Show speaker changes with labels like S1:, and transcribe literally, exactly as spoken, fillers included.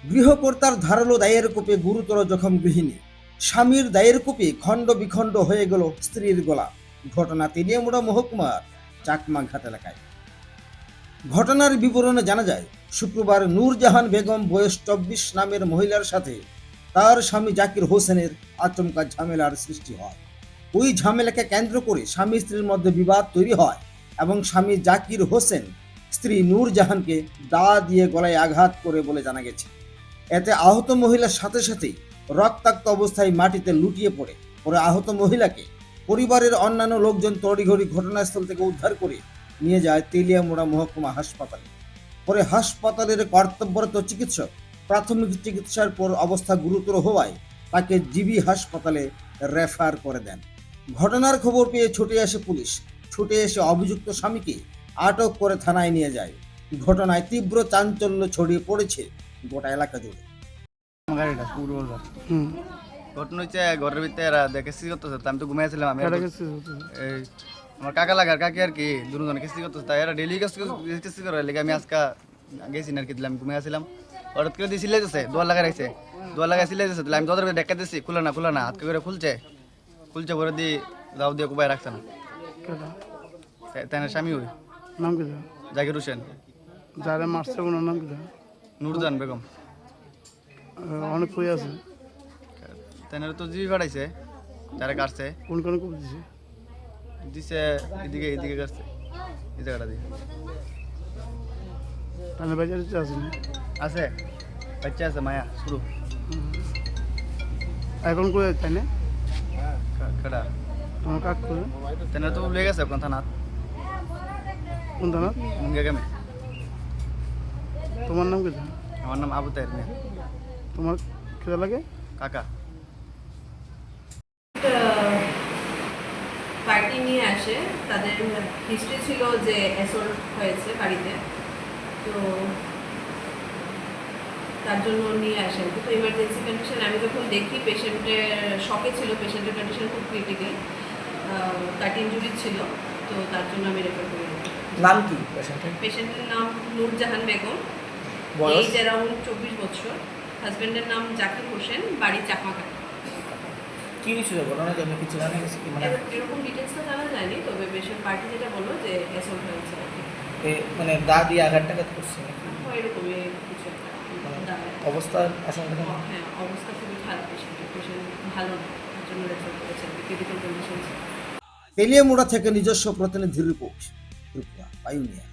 S1: গৃহকর্তার ধারালো দায়ের কোপে গুরুতর জখম গৃহিণী, স্বামীর দায়ের কোপে খণ্ড বিখণ্ড হয়ে গেল স্ত্রীর গলা। ঘটনা তেলিয়ামুড়া মহকুমার চাকমাঘাট এলাকায়। ঘটনার বিবরণে জানা যায়, শুক্রবার নূরজাহান বেগম বয়স চব্বিশ নামের মহিলার সাথে তার স্বামী জাকির হোসেনের আচমকা ঝামেলার সৃষ্টি হয়। ওই ঝামেলাকে কেন্দ্র করে স্বামী স্ত্রীর মধ্যে বিবাদ তৈরি হয় এবং স্বামী জাকির হোসেন স্ত্রী নূরজাহানকে দা দিয়ে গলায় আঘাত করে বলে জানা গেছে। এতে আহত মহিলার সাথে সাথেই রক্তাক্ত অবস্থায় মাটিতে লুটিয়ে পড়ে পরে আহত মহিলাকে পরিবারের অন্যান্য লোকজন তড়িঘড়ি ঘটনাস্থল থেকে উদ্ধার করে নিয়ে যায় তেলিয়ামুড়া মহকুমা হাসপাতালে। পরে হাসপাতালের কর্তব্যরত চিকিৎসক প্রাথমিক চিকিৎসার পর অবস্থা গুরুতর হওয়ায় তাকে জিবি হাসপাতালে রেফার করে দেন। ঘটনার খবর পেয়ে ছুটে আসে পুলিশ। ছুটে এসে অভিযুক্ত স্বামীকে আটক করে থানায় নিয়ে যায়। ঘটনায় তীব্র চাঞ্চল্য ছড়িয়ে পড়েছে গোটা এলাকা জুড়ে।
S2: ঘটনা হচ্ছে ঘরের ভিতরে এরা দেখে কিস্তি করতেছে, আমি তো ঘুমাইছিলাম। আমি এই আমার কাকা লাগার কাকি আর কি দুজন কিস্তি করতেছে, তাই এরা ডেলি কিস্তি করে লেগে আমি আজকে গেছি না আর কি, দিলাম ঘুমাইছিলাম। হঠাৎ করে দিয়ে সিলাই দিচ্ছে, দোয়ার লাগাই রাখছে, দোয়ার লাগাই সিলাই দিচ্ছে, তাহলে আমি তোদের দেখা দিচ্ছি খুলে না খুলে না হাত করে খুলছে খুলছে পরে দিয়ে দাও দিয়ে কুবাই রাখছে না। তাই না স্বামী ওই
S3: নাম কি
S2: জাকির হোসেন,
S3: যারা মারছে ওনার নাম কি
S2: নূরজাহান বেগম।
S3: অনেক কই আছে,
S2: তাই না তো জিবি পাঠাইছে, যারা কাটছে
S3: কোন কোন কোপ দিছে
S2: দিছে এদিকে এদিকে কাটছে এই জায়গাটা দিয়ে।
S3: তাহলে বাজার আছে না
S2: আছে বাচ্চা আছে মায়া শুরু
S3: এখন কই তাই না
S2: কাটা
S3: তোমার কাক করে
S2: তাই না তো লেগে গেছে কোন থানাত
S3: কোন থানা
S2: মুঙ্গা গ্রামে।
S3: তোমার নাম কি
S2: আমার নাম আবু তাহের মিয়া।
S3: তোমার কেদা লাগে
S2: কাকা
S4: পার্টি নিয়ে আসে, তাদের হিস্ট্রি ছিল যে অ্যাসল্ট হয়েছে বাড়িতে, তো তার জন্য নিয়ে আসেন। তো ইমার্জেন্সি কন্ডিশন আমি যখন দেখি পেশেন্টের শকে ছিল, পেশেন্টের কন্ডিশন খুব ক্রিটিক্যাল, কাট ইঞ্জুরি ছিল, তো তার জন্য আমি রেফার করি।
S5: নাম কি পেশেন্টের?
S4: পেশেন্টের নাম নূরজাহান বেগম,
S5: বয়স?
S4: এজ অ্যারাউন্ড চব্বিশ বছর। হাজব্যান্ডের নাম জাকির হোসেন, বাড়ি চাকমাঘাট।
S5: কি কিছু ঘটনা জন্য কিছু জানা গেছে কি? মানে
S4: এরকম ডিটেলসটা জানা যায়নি, তবে পেশেন্ট পার্টি যেটা বললো যে অ্যাসল্ট হয়েছে আর কি।
S5: এ মানে দা দিয়ে আঘাতটা করছে নাকি?
S4: হয় এরকমই কিছু একটা।
S5: অবস্থা আশঙ্কা কেমন?
S4: হ্যাঁ, অবস্থা খুবই খারাপ পেশেন্টের, পেশেন্ট ভালো না, তার জন্য রেফার করেছেন, ক্রিটিক্যাল কন্ডিশন।
S1: তেলিয়ামুড়া থেকে নিজস্ব প্রতিনিধি রিপোর্ট, ত্রিপুরা পাইওনিয়ার।